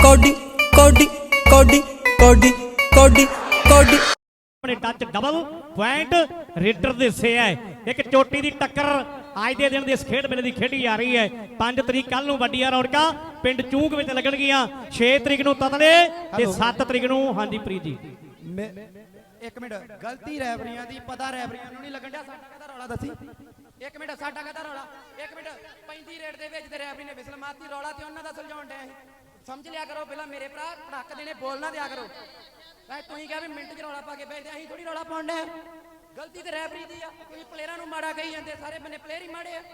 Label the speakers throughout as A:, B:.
A: कौडी कौडी कौडी कौडी कौडी कौडी
B: अपने touch double point raider ਦੇ ਹਿੱਸੇ ਹੈ ਇੱਕ ਚੋਟੀ ਦੀ ਟੱਕਰ ਅੱਜ ਦੇ ਦਿਨ ਦੇ ਇਸ ਖੇਡ ਮੇਲੇ ਦੀ ਖੇਡੀ ਜਾ ਰਹੀ ਹੈ 5 ਤਰੀਕ ਕੱਲ ਨੂੰ ਵੱਡੀਆਂ ਰੌਣਕਾਂ ਪਿੰਡ ਚੂੰਕ ਵਿੱਚ ਲੱਗਣਗੀਆਂ 6 ਤਰੀਕ ਨੂੰ ਤਤਲੇ ਤੇ 7 ਤਰੀਕ ਨੂੰ ਹਾਂਜੀ ਪ੍ਰੀਤ ਜੀ
C: ਇੱਕ ਮਿੰਟ ਗਲਤੀ ਰੈਫਰੀਆਂ ਦੀ ਪਤਾ ਰੈਫਰੀਆਂ ਨੂੰ ਨਹੀਂ ਲੱਗਣ ਡਿਆ ਸਾਡਾ ਕਹਦਾ ਰੌਲਾ ਦੱਸੀ ਇੱਕ ਮਿੰਟ ਸਾਡਾ ਕਹਦਾ ਰੌਲਾ ਇੱਕ ਮਿੰਟ 35 ਰੇਡ ਦੇ ਵਿੱਚ ਤੇ ਰੈਫਰੀ ਨੇ ਵਿਸਲ ਮਾਰਤੀ ਰੌਲਾ ਤੇ ਉਹਨਾਂ ਦਾ ਸੁਲਝਾਉਣ ਡਿਆ ਸੀ ਸਮਝ ਲਿਆ ਕਰੋ ਪਹਿਲਾਂ ਮੇਰੇ ਭਰਾ ਧੜਕ ਦੇਣੇ ਬੋਲ ਨਾ ਦਿਆ ਕਰੋ ਤੁਸੀਂ ਕਿਹਾ ਵੀ ਮਿੰਟ 'ਚ ਰੌਲਾ ਪਾ ਕੇ ਭੇਜਦੇ ਅਸੀਂ ਥੋੜੀ ਰੌਲਾ ਪਾਉਣ ਡਿਆ ਗਲਤੀ ਤੇ ਰੈਫਰੀ ਦੀ ਆ ਤੁਸੀਂ ਪਲੇਅਰਾਂ ਨੂੰ ਮਾੜਾ ਕਹੀ ਜਾਂਦੇ ਸਾਰੇ ਬੰਨੇ ਪਲੇਅਰ ਹੀ ਮਾੜੇ ਆ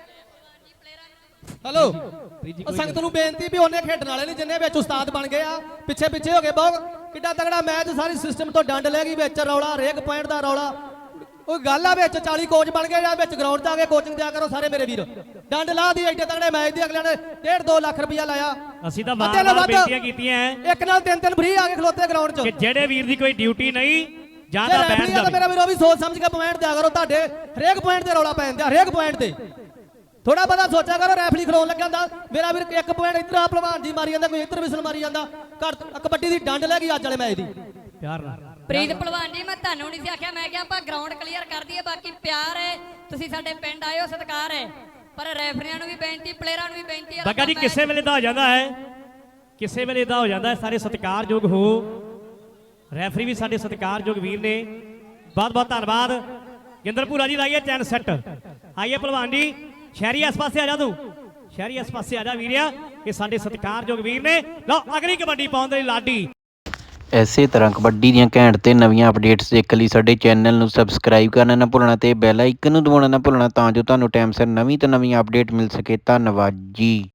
D: ਹੈਲੋ ਸੰਗਤ ਨੂੰ ਬੇਨਤੀ ਵੀ ਉਹਨੇ ਖੇਡਣ ਵਾਲੇ ਨਹੀਂ ਜਿੰਨੇ ਵਿੱਚ ਉਸਤਾਦ ਬਣ ਗਏ ਆ ਪਿੱਛੇ ਪਿੱਛੇ ਹੋ ਗਏ ਬਹੁਤ ਕਿੱਡਾ ਤਗੜਾ ਮੈਚ ਸਾਰੀ ਸਿਸਟਮ ਤੋਂ ਡੰਡ ਲੈ ਗਈ ਵਿੱਚ ਰੌਲਾ ਹਰੇਕ ਪੁਆਇੰਟ ਦਾ ਰੌਲਾ ਉਹ ਗੱਲ ਆ ਵਿੱਚ 40 ਕੋਚ ਬਣ ਗਏ ਜਾਂ ਵਿੱਚ ਗਰਾਊਂਡ 'ਚ ਆ ਕੇ ਕੋਚਿੰਗ ਦਿਆ ਕਰੋ ਸਾਰੇ ਮੇਰੇ ਵੀਰ ਡੰਡ ਲਾ ਦੀ ਐਡੇ ਤਗੜੇ ਮੈਚ ਦੀ ਅਗਲਿਆਂ ਨੇ 1.5-2 ਲੱਖ ਰੁਪਇਆ ਲਾਇਆ
B: ਅਸੀਂ ਤਾਂ ਵਾਰ-ਵਾਰ ਬੇਨਤੀਆਂ ਕੀਤੀਆਂ
D: ਇੱਕ ਨਾਲ ਤਿੰਨ ਫ੍ਰੀ ਆ ਕੇ ਖਲੋਤੇ ਗਰਾਊਂਡ 'ਚ
B: ਕਿ ਜਿਹੜੇ ਵੀਰ ਦੀ ਕੋਈ ਡਿਊਟੀ ਨਹੀਂ ਜਾਂ ਤਾਂ ਬੈਠ ਜਾਵੇ
D: ਮੇਰਾ ਵੀਰ ਉਹ ਵੀ ਸੋਚ ਸਮਝ ਕੇ ਪੁਆਇੰਟ ਦਿਆ ਕਰੋ ਤੁਹਾਡੇ ਹਰੇਕ ਪੁਆਇੰਟ ਤੇ ਰੌਲਾ ਪੈਂਦਾ ਹਰੇਕ ਪੁਆਇੰਟ ਤੇ ਥੋੜਾ ਬਹੁਤਾ ਸੋਚਿਆ ਕਰੋ ਰੈਫਰੀ ਖਲੋਣ ਲੱਗਿਆ ਹੁੰਦਾ ਮੇਰਾ ਵੀਰ ਇੱਕ ਪੁਆਇੰਟ ਇੱਧਰ ਆ ਭਲਵਾਨ ਜੀ ਮਾਰੀ ਜਾਂਦਾ ਕੋਈ ਇੱਧਰ ਵਿਸਲ ਮਾਰੀ ਜਾਂਦਾ ਕਬੱਡੀ ਦੀ ਡੰਡ ਲੈ ਗਈ ਅੱਜ ਵਾਲੇ ਮੈਚ ਦੀ
B: ਪਿਆਰ ਨਾਲ
E: ਪ੍ਰੀਤ ਭਲਵਾਨ ਜੀ ਮੈਂ ਤੁਹਾਨੂੰ ਨਹੀਂ ਸੀ ਆਖਿਆ ਮੈਂ ਕਿਹਾ ਆਪਾਂ ਗਰਾਊਂਡ ਕਲੀਅਰ ਕਰ ਦਈਏ ਬਾਕੀ ਪਿਆਰ ਹੈ ਤੁਸੀਂ ਸਾਡੇ ਪਿੰਡ ਆਏ ਹੋ ਸਤਿਕਾਰ ਹੈ ਪਰ ਰੈਫਰੀਆਂ ਨੂੰ ਵੀ ਬੇਨਤੀ ਪਲੇਅਰਾਂ ਨੂੰ ਵੀ ਬੇਨਤੀ ਹੈ
B: ਬੱਗਾ ਜੀ ਕਿਸੇ ਵੇਲੇ ਦਾ ਹੋ ਜਾਂਦਾ ਹੈ ਕਿਸੇ ਵੇਲੇ ਦਾ ਹੋ ਜਾਂਦਾ ਹੈ ਸਾਰੇ ਸਤਿਕਾਰਯੋਗ ਹੋ ਰੈਫਰੀ ਵੀ ਸਾਡੇ ਸਤਿਕਾਰਯੋਗ ਵੀਰ ਨੇ ਬਹੁਤ ਬਹੁਤ ਧੰਨਵਾਦ ਗਿੰਦਰਪੁਰਾ ਜੀ ਲਾਈਏ ਚੈਨ ਸੈੱਟ ਆਈਏ ਭਲਵਾਨ ਜੀ ਸ਼ਹਿਰੀ ਇਸ ਪਾਸੇ ਆ ਜਾ ਤੂੰ ਸ਼ਹਿਰੀ ਇਸ ਪਾਸੇ ਆ ਜਾ ਵੀਰਿਆ ਇਹ ਸਾਡੇ ਸਤਿਕਾਰਯੋਗ ਵੀਰ ਨੇ ਲਓ ਅਗਲੀ ਕਬੱਡੀ ਪਾਉਣ ਦੇ ਲਈ ਲਾਡੀ
F: ਇਸੇ ਤਰ੍ਹਾਂ ਕਬੱਡੀ ਦੀਆਂ ਘੈਂਟ ਤੇ ਨਵੀਆਂ ਅਪਡੇਟਸ ਦੇਖਣ ਲਈ ਸਾਡੇ ਚੈਨਲ ਨੂੰ ਸਬਸਕ੍ਰਾਈਬ ਕਰਨਾ ਨਾ ਭੁੱਲਣਾ ਤੇ ਬੈਲ ਆਈਕਨ ਨੂੰ ਦਬਾਉਣਾ ਨਾ ਭੁੱਲਣਾ ਤਾਂ ਜੋ ਤੁਹਾਨੂੰ ਟਾਈਮ ਸਿਰ ਨਵੀਂ ਤੋਂ ਨਵੀਂ ਅਪਡੇਟ ਮਿਲ ਸਕੇ ਧੰਨਵਾਦ ਜੀ।